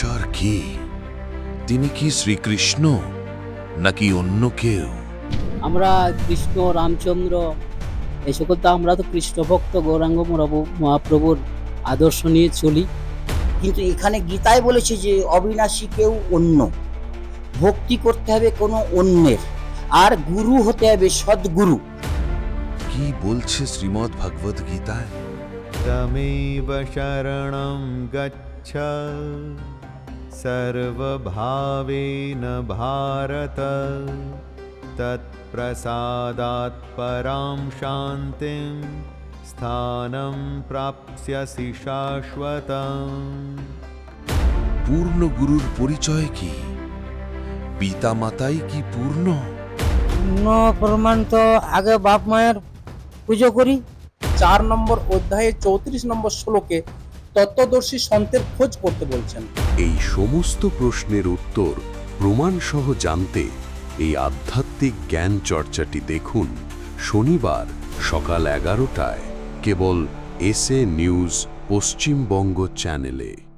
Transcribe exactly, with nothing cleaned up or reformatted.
ঈশ্বর কি? তিনি কি শ্রীকৃষ্ণ নাকি অন্য কেউ? আমরা কৃষ্ণ রামচন্দ্র এই সকল তো আমরা তো কৃষ্ণ ভক্ত গৌরাঙ্গ মহাপ্রভু- মহাপ্রভুর আদর্শ নিয়ে চলি। কিন্তু এখানে গীতায় বলেছে যে অবিনাশী কেউ অন্য, ভক্তি করতে হবে কোনো অন্যের, আর গুরু হতে হবে সদ্গুরু। কি বলছে শ্রীমদ্ ভগবদ গীতায়? तमेव शरणं गच्छ सर्वभावेन भारत तत्प्रसादात् परां शान्तिं स्थानं प्राप्स्यसि शाश्वतम्। পূর্ণ গুরুর পরিচয় কি? পিতা মাতাই কি পূর্ণ? ন প্রমাণ তো আগে বাপ মায়ের পুজো করি। চার নম্বর অধ্যায়ে চৌত্রিশ নম্বর শ্লোকে তত্ত্বদর্শী সন্তের খোঁজ করতে বলছেন। এই সমস্ত প্রশ্নের উত্তর প্রমাণসহ জানতে এই আধ্যাত্মিক জ্ঞান চর্চাটি দেখুন শনিবার সকাল এগারোটায় কেবল এস এ নিউজ পশ্চিমবঙ্গ চ্যানেলে।